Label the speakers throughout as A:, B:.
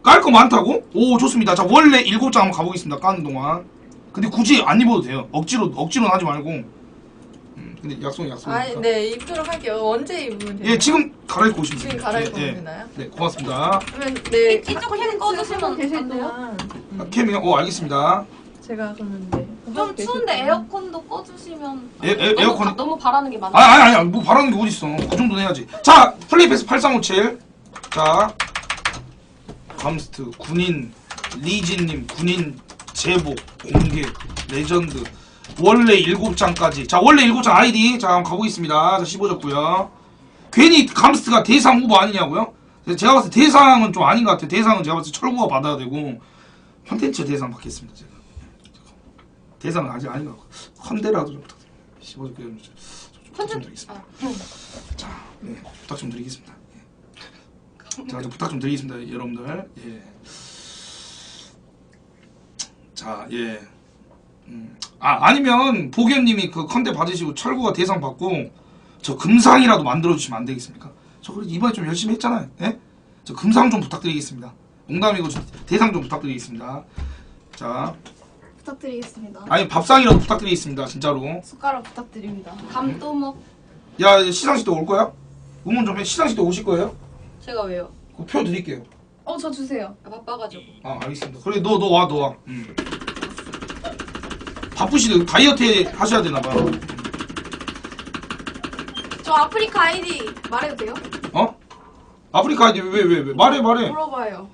A: 깔 거 많다고? 오 좋습니다. 자 원래 7장 한번 가보겠습니다. 까는 동안. 근데 굳이 안 입어도 돼요. 억지로는 하지 말고. 근데 약속이니까.
B: 아, 네 입도록 할게요. 언제 입으면 돼요?
A: 예 지금 갈아입고 오시면
B: 지금
A: 됩니다.
B: 갈아입고
A: 예,
B: 되나요?
A: 네 고맙습니다.
B: 그러면 네
C: 이쪽 캠 꺼주시면 안 돼요?
A: 캠이요? 알겠습니다.
B: 제가 그러면 네.
C: 좀 추운데 에어컨도 꺼주시면.
A: 에어컨
C: 너무 바라는 게 많아.
A: 아니 뭐 바라는 게 어딨어. 그 정도는 해야지. 자 플레이패스 8357. 자 감스트 군인 리진님 군인 제복 공개 레전드 원래 7장까지. 자 원래 7장 아이디 자 한번 가보겠습니다. 자 15졌고요. 괜히 감스트가 대상 후보 아니냐고요? 제가 봤을 때 대상은 좀 아닌 것 같아요. 대상은 제가 봤을 때 철구가 받아야 되고 콘텐츠 대상 받겠습니다. 제가 대상은 아직 아닌 것 같고 컨대라도 좀 부탁드립니다. 15졌고요. 부탁 좀 드리겠습니다. 자 네, 부탁 좀 드리겠습니다. 자, 부탁 좀 드리겠습니다, 여러분들. 예. 자, 예. 아니면 보겸님이 그 컨대 받으시고 철구가 대상 받고 저 금상이라도 만들어 주시면 안 되겠습니까? 저 그래도 이번에 좀 열심히 했잖아요. 예? 저 금상 좀 부탁드리겠습니다. 농담이고 대상 좀 부탁드리겠습니다. 자,
D: 부탁드리겠습니다.
A: 아니 밥상이라도 부탁드리겠습니다, 진짜로.
D: 숟가락 부탁드립니다.
C: 감도 먹.
A: 야, 시상식 때 올 거야? 응원 좀 해. 시상식 때 오실 거예요?
C: 제가 왜요?
A: 그 표 드릴게요.
D: 저 주세요.
C: 바빠가지고.
A: 아 알겠습니다. 그래 너 와. 바쁘시대 다이어트 하셔야 되나봐.
D: 저 아프리카 아이디 말해도 돼요?
A: 어? 아프리카 아이디 왜 말해.
D: 물어봐요.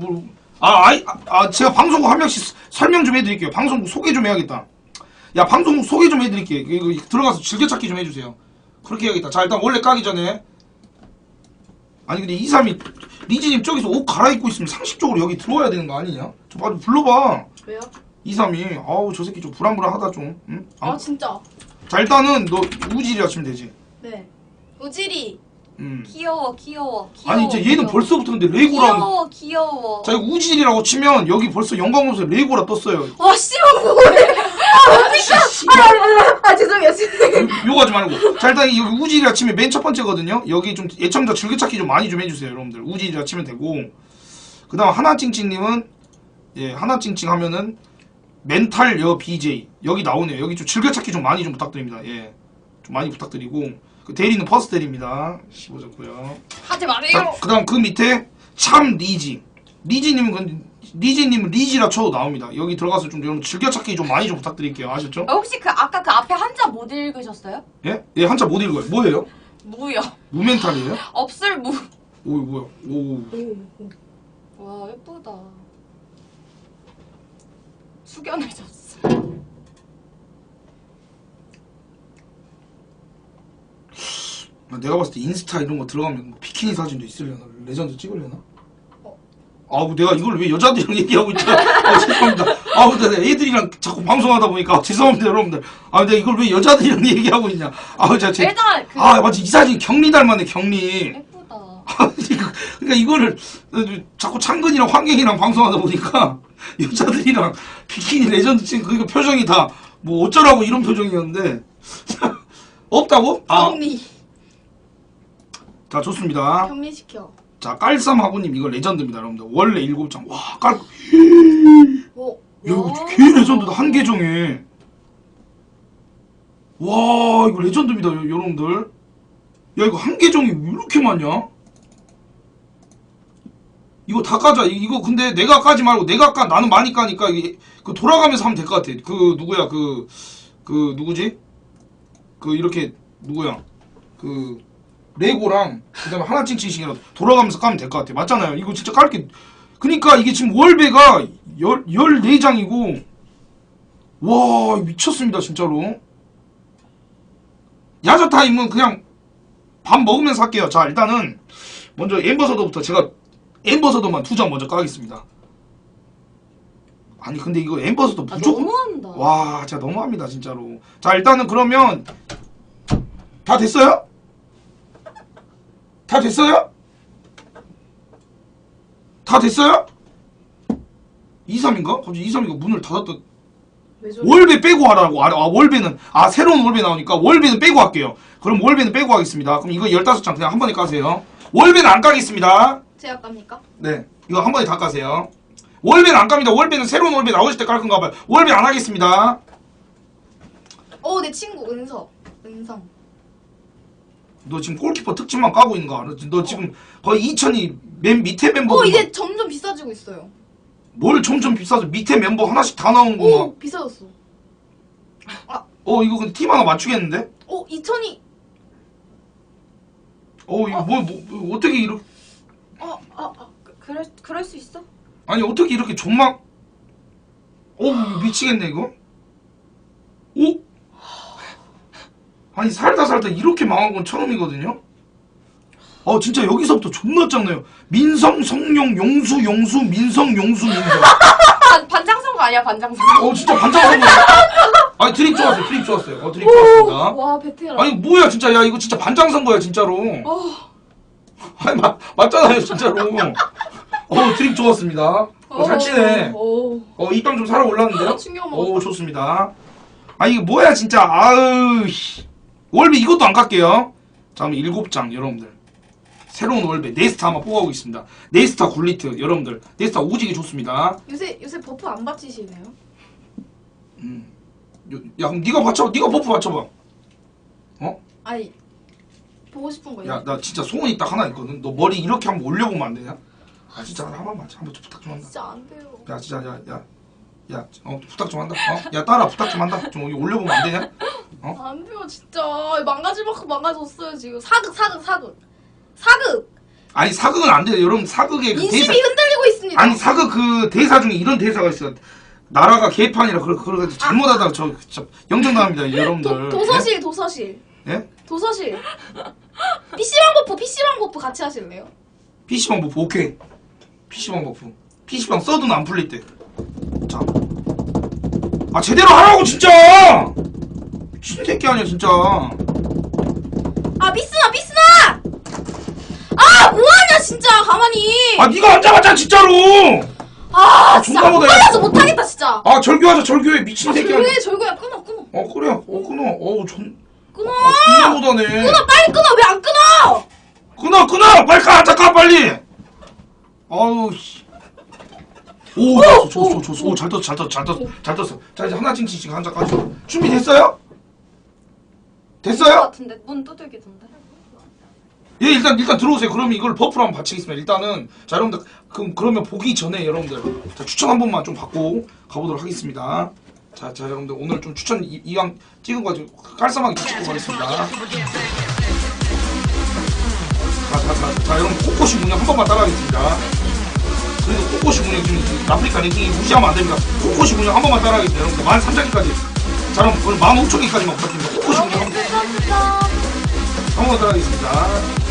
A: 제가 방송국 한 명씩 설명 좀 해드릴게요. 방송국 소개 좀 해야겠다. 야 방송국 소개 좀 해드릴게. 이거 들어가서 즐겨찾기 좀 해주세요. 그렇게 해야겠다. 자 일단 원래 까기 전에 아니 근데 232 리지님 저기서 옷 갈아입고 있으면 상식적으로 여기 들어와야 되는 거 아니냐? 저 빨리 불러봐.
D: 왜요?
A: 232 아우 저 새끼 좀 불안불안하다 좀. 응?
D: 진짜.
A: 자 일단은 너 우질이라 치면 되지.
D: 네. 우지리.
C: 귀여워.
A: 아니 이제 얘는
C: 귀여워.
A: 벌써부터 근데 레고랑
C: 귀여워.
A: 자 이거 우질이라고 치면 여기 벌써 영광검색 레고라 떴어요.
D: 씨발 뭐해? 죄송해요.
A: 욕하지 말고. 자 일단 여기 우질이라 치면 맨 첫 번째거든요. 여기 좀 애청자 즐겨찾기 좀 많이 좀 해주세요 여러분들. 우질이라 치면 되고 그 다음 하나찡찡님은 예 하나찡찡 하면은 멘탈 여 BJ 여기 나오네요. 여기 좀 즐겨찾기 좀 많이 좀 부탁드립니다. 예 좀 많이 부탁드리고 그 대리는 퍼스트 대리입니다. 15졌고요.
C: 하지 마세요.
A: 그 다음 그 밑에 참 리지 리지님은 리지라 쳐도 나옵니다. 여기 들어가서 좀 여러분 즐겨찾기 좀 많이 좀 부탁드릴게요. 아셨죠?
C: 혹시 아까 그 앞에 한자 못 읽으셨어요?
A: 예? 예 한자 못 읽어요. 뭐예요?
C: 무요.
A: 무멘탈이에요?
C: 없을 무.
A: 오 뭐야? 오.
C: 와 예쁘다. 숙연해졌어.
A: 내가 봤을 때 인스타 이런 거 들어가면 비키니 사진도 있으려나? 레전드 찍으려나? 아우 내가 이걸 왜 여자들이랑 얘기하고 있잖아. 죄송합니다. 아우 내가 애들이랑 자꾸 방송하다 보니까 죄송합니다 여러분들. 내가 이걸 왜 여자들이랑 얘기하고 있냐.
C: 일단
A: 맞지 이 사진 경리 닮았네 경리.
C: 예쁘다.
A: 그러니까 이거를 자꾸 창근이랑 환경이랑 방송하다 보니까 여자들이랑 비키니 레전드 찍은 그러니까 표정이 다 뭐 어쩌라고 이런 표정이었는데 없다고?
D: 격리.
A: 자 좋습니다.
D: 격리시켜.
A: 자 깔쌈하고님 이거 레전드입니다 여러분들. 원래 7장 와 야 이거 개 레전드다 한 계정에. 와 이거 레전드입니다 여러분들. 야 이거 한 계정이 왜 이렇게 많냐? 이거 다 까자. 이거 근데 내가 까지 말고 내가 까 나는 많이 까니까 이게 그 돌아가면서 하면 될 것 같아. 그 누구야 그 누구지? 그 이렇게 누구야? 그 레고랑 그다음에 하나찡찡씩이라도 돌아가면서 까면 될 것 같아. 맞잖아요. 이거 진짜 깔게. 그니까 이게 지금 월배가 14장이고 와 미쳤습니다 진짜로. 야자타임은 그냥 밥 먹으면서 할게요. 자 일단은 먼저 엠버서더부터 제가 엠버서더만 2장 먼저 까겠습니다. 아니 근데 이거 엠버서더 무조건
C: 너무한다.
A: 와 진짜 너무합니다 진짜로. 자 일단은 그러면 다 됐어요? 다 됐어요? 다 됐어요? 23인가? 갑자기 23인가 문을 닫았다. 월배 빼고 하라고. 월배는 새로운 월배 나오니까 월배는 빼고 할게요. 그럼 월배는 빼고 하겠습니다. 그럼 이거 15장 그냥 한 번에 까세요. 월배는 안 까겠습니다.
D: 제가 깝니까?
A: 네, 이거 한 번에 다 까세요. 월배는 안 깝니다. 월배는 새로운 월배 나오실 때 깔 건가 봐요. 월배 안 하겠습니다.
D: 내 친구 은성.
A: 너 지금 골키퍼 특집만 까고 있는 거 알아? 너 지금 거의 2000이 맨 밑에 멤버.
D: 이제 점점 비싸지고 있어요.
A: 뭘 점점 비싸져? 밑에 멤버 하나씩 다 나오는구나.
D: 비싸졌어.
A: 이거 근데 팀 하나 맞추겠는데?
D: 2000이.
A: 이거 뭐 어떻게 이렇게
C: 그럴 수 있어?
A: 아니 어떻게 이렇게 존막 미치겠네 이거. 아니 살다 이렇게 망한 건 처음이거든요. 진짜 여기서부터 존나 짱나요. 민성, 성룡, 용수, 민성, 용수, 민성.
C: 반장선거 아니야 반장선거?
A: 진짜 반짝반짝. 아니 드립 좋았어요. 드립 좋았습니다.
D: 와 베테랑.
A: 아니 뭐야 진짜. 야 이거 진짜 반장 선거야 진짜로. 아니 맞잖아요 진짜로. 드립 좋았습니다. 잘 치네. 입방 좀 살아 올랐는데요?
D: 충격 먹었다.
A: 좋습니다. 이거 뭐야 진짜. 월배 이것도 안 깎게요. 자 그럼 7장 여러분들. 새로운 월배 네스타 한번 뽑아보고 있습니다. 네스타 굴리트 여러분들. 네스타 오지게 좋습니다.
D: 요새 버프 안 받치시네요?
A: 야 그럼 네가 버프 받쳐봐.
D: 아니 보고 싶은 거예요.
A: 야 나 진짜 소원이 딱 하나 있거든. 너 머리 이렇게 한번 올려보면 안 되냐? 진짜 한 번만 한번 좀 부탁 좀 한다.
D: 진짜 안 돼요.
A: 야 진짜 야 부탁 좀 한다. 야 따라 부탁 좀 한다. 좀 여기 올려보면 안 되냐?
D: 안 돼요 진짜. 망가질 만큼 망가졌어요 지금. 사극.
A: 아니 사극은 안 돼요. 여러분 사극의 그
D: 인심이
A: 대사.
D: 흔들리고 있습니다.
A: 아니 사극 그 대사 중에 이런 대사가 있어요. 나라가 개판이라 그래가지고 잘못하다가 저 진짜 영정당합니다 여러분들.
D: 도서실.
A: 예?
D: 도서실. PC방 버프 같이 하실래요?
A: PC방 버프 오케이. PC방 버프. PC방 써도는 안 풀릴 때. 자. 제대로 하라고 진짜. 미친 새끼 아니야 진짜.
D: 삐스나. 뭐하냐 진짜 가만히.
A: 네가 안 잡았잖아 진짜로.
D: 진짜
A: 존나
D: 못
A: 못해.
D: 걸려서 못하겠다 진짜.
A: 절교하자 절교해 미친 새끼 아니야.
D: 절교야 끊어.
A: 그래. 끊어.
D: 끊어.
A: 존나 못하네.
D: 빨리 끊어. 왜 안 끊어?
A: 끊어. 빨리 가. 잠깐 빨리. 아우 씨. 좋았어. 잘 떴어. 자 이제 하나 찡치 지금 한 잔까지. 준비됐어요? 됐어요?
C: 같은데 문 두들기던데.
A: 예, 일단 들어오세요. 그러면 이걸 버프로 한번 바치겠습니다. 일단은 자 여러분들 그러면 보기 전에 여러분들 자, 추천 한 번만 좀 받고 가보도록 하겠습니다. 자 여러분들 오늘 좀 추천 이왕 찍은 거 가지고 깔쌈하게 찍고 가겠습니다. 자 여러분 코코시 문양 한 번만 따라하겠습니다. 그래도 코코시 문양 지금 아프리카 랭킹이 무시하면 안 됩니다. 코코시 문양 한 번만 따라하겠습니다. 여러분들 13,000개까지. 자 그럼 15,000개까지만 부탁드립니다. 코코시 문양 한 번만 따라하겠습니다.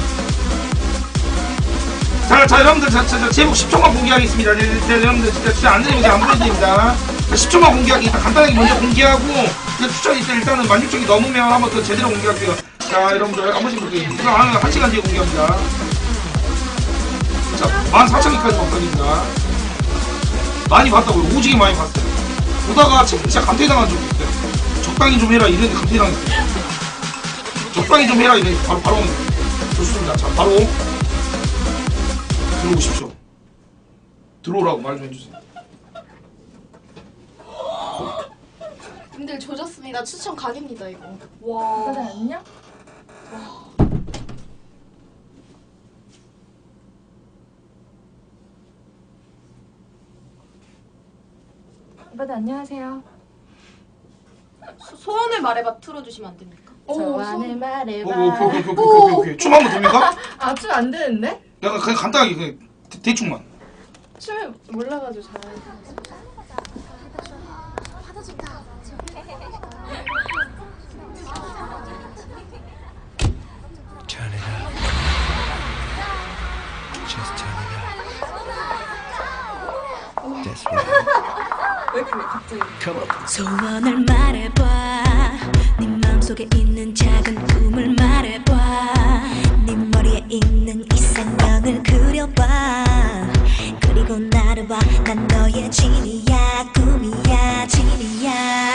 A: 자 여러분들 제목 10초만 공개하겠습니다. 여러분들 진짜 안 되면 안 보여드립니다. 10초만 공개하기 일단 간단하게 먼저 공개하고 추천이 일단은 16,000개 넘으면 한번 더 제대로 공개할게요. 자 여러분들 한 번씩 볼게요. 이거 한 1시간 뒤에 공개합니다. 자 14,000개까지 봤습니다. 많이 봤다고요. 오지게 많이 봤어요. 보다가 진짜 감퇴당한 적이 있어요. 적당히 좀 해라 이랬는데 감퇴당했어요. 적당히 좀 해라 이랬는데 바로 좋습니다. 자 바로 들어오십시오. 들어오라고 말 좀 해주세요.
D: 님들 조졌습니다. 추천 각입니다 이거.
C: 와.
B: 그래 안녕? 오빠들 안녕하세요.
C: 소원을 말해봐 틀어주시면 안 됩니까?
B: 소원을 말해봐.
A: 오케이. 춤 한번 됩니까?
B: 춤 안 되는데?
A: 약간 그냥 간단하게 그냥 대충만.
B: 춤을 몰라가지고 잘하는.
E: Turn it up. Just turn it up. That's right.
B: 왜 그래 갑자기?
E: Come on.
F: 소원을 말해봐 네 마음속에 있는 작은 꿈을 말해봐 네 머리에 있는 이상형을 그려봐 그리고 나를 봐 난 너의 진이야 꿈이야 진이야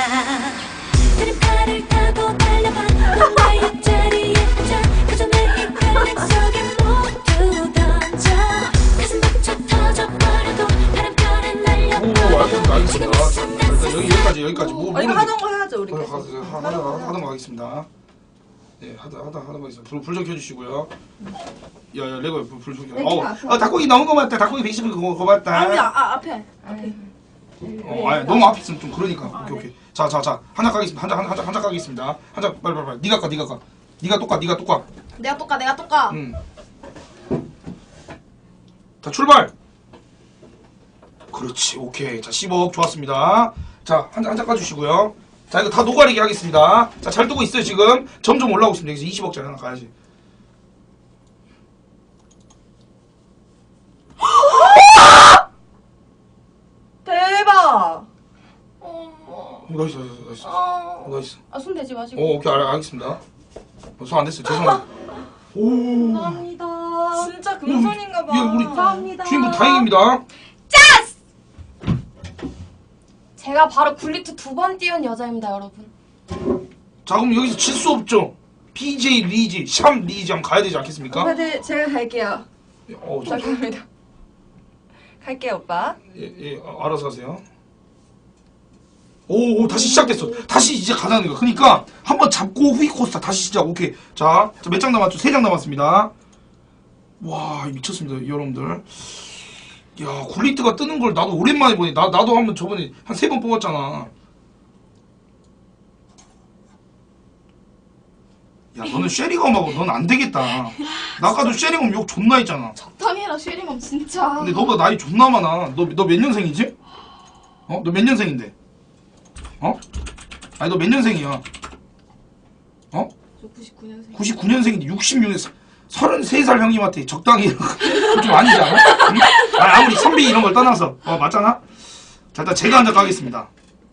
F: 드림카를 타고 달려봐 너의 자리에 앉아 그 전에 이 펠링 속에 모두 던져
A: 가겠습니다. 예, 하다 가겠습니다. 불 좀 켜주시고요. 야, 레고 불 좀 켜. 닭고기 넣은 거 맞다. 닭고기 120원 그거 맞다.
D: 아니 앞에.
A: 아니, 너무 앞에 있으면 좀 그러니까. 오케이. 자, 한장 가겠습니다. 한 장 가겠습니다. 한 장 빨리. 네가 가. 네가 똑까.
C: 내가 똑까.
A: 자, 출발. 그렇지. 오케이. 자, 10억 좋았습니다. 자, 한 장 까주시고요. 자, 이거 다 노가리게 하겠습니다. 자, 잘 뜨고 있어요, 지금. 점점 올라오고 있습니다. 여기서 20억짜리 하나 가야지.
B: 대박.
A: 나이스. 나이스.
C: 손 대지 마시고.
A: 오케이. 알겠습니다. 손 안 됐어요. 죄송합니다. 오.
C: 감사합니다.
B: 진짜 금손인가 봐.
A: 예, 우리
C: 감사합니다.
A: 주인분 다행입니다.
C: 제가 바로 굴리트 2번 띄운 여자입니다, 여러분.
A: 자, 그럼 여기서 질 수 없죠. BJ 리지, 샴 리지 한번 가야 되지 않겠습니까?
B: 오빠들 제가 갈게요.
A: 저,
B: 갈게요 오빠.
A: 예, 알아서 하세요. 오, 다시 시작됐어. 다시 이제 가자는 거. 그러니까 한번 잡고 후이코스타 다시 시작. 오케이. 자, 몇 장 남았죠? 3장 남았습니다. 와, 미쳤습니다, 여러분들. 야, 굴리트가 뜨는 걸 나도 오랜만에 보니. 나도 한번 저번에 한 3번 뽑았잖아. 야, 너는 쉐리검하고 넌 안 되겠다. 나 아까도 쉐리검 욕 존나 했잖아.
C: 적당히 해라, 쉐리멈 진짜.
A: 근데 너보다 나이 존나 많아. 너 몇 년생이지? 너 몇 년생인데? 아니, 너 몇 년생이야?
C: 저 99년생.
A: 99년생인데 66년 33살 형님한테 적당히 좀 아니지 않아? 응? 아무리 선비 이런 걸 떠나서 맞잖아? 자, 일단 제가 한장 가겠습니다.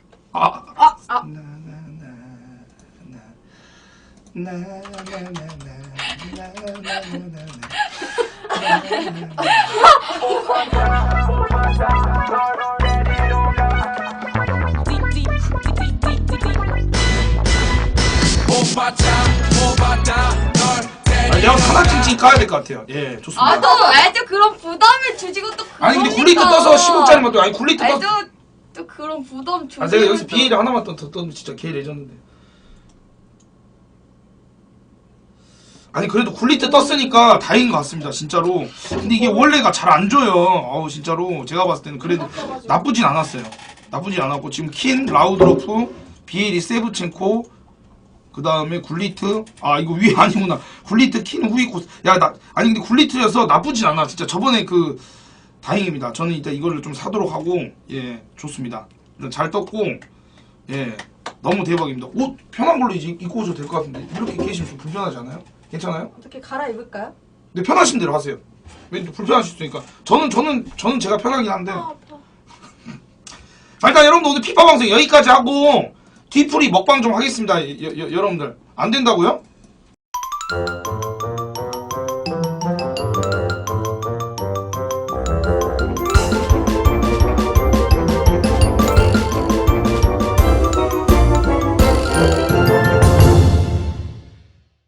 A: 내가 하나쯤 까야 될 것 같아요. 예, 좋습니다.
C: 애도 그런 부담을 주지고 또
A: 아니, 근데 굴리트 떠서 10억짜리만 또, 아니, 굴리트 떠서.
C: 또 그런 부담 주지고.
A: 내가 여기서 BL 하나만 더 떠면 진짜 개 레전드인데. 아니, 그래도 굴리트 떴으니까 다행인 것 같습니다, 진짜로. 근데 이게 원래가 잘 안 줘요. 진짜로. 제가 봤을 때는 그래도 나쁘진 않았어요. 나쁘진 않았고, 지금 킨, 라우드로프, 비에리, 세브첸코, 그 다음에 굴리트. 이거 위에 아니구나. 굴리트, 킨, 후이코스. 아니, 근데 굴리트여서 나쁘진 않아. 진짜 저번에 다행입니다. 저는 일단 이거를 좀 사도록 하고, 예, 좋습니다. 일단 잘 떴고, 예, 너무 대박입니다. 옷 편한 걸로 이제 입고 오셔도 될 것 같은데, 이렇게 계시면 좀 불편하지 않아요? 괜찮아요?
B: 어떻게 갈아입을까요?
A: 근데 편하신 대로 하세요. 왜 또 불편하실 수 있으니까. 저는 제가 편하긴 한데. 자, 일단 여러분들 오늘 피파 방송 여기까지 하고, 뒤풀이 먹방 좀 하겠습니다. 여러분들. 안 된다고요?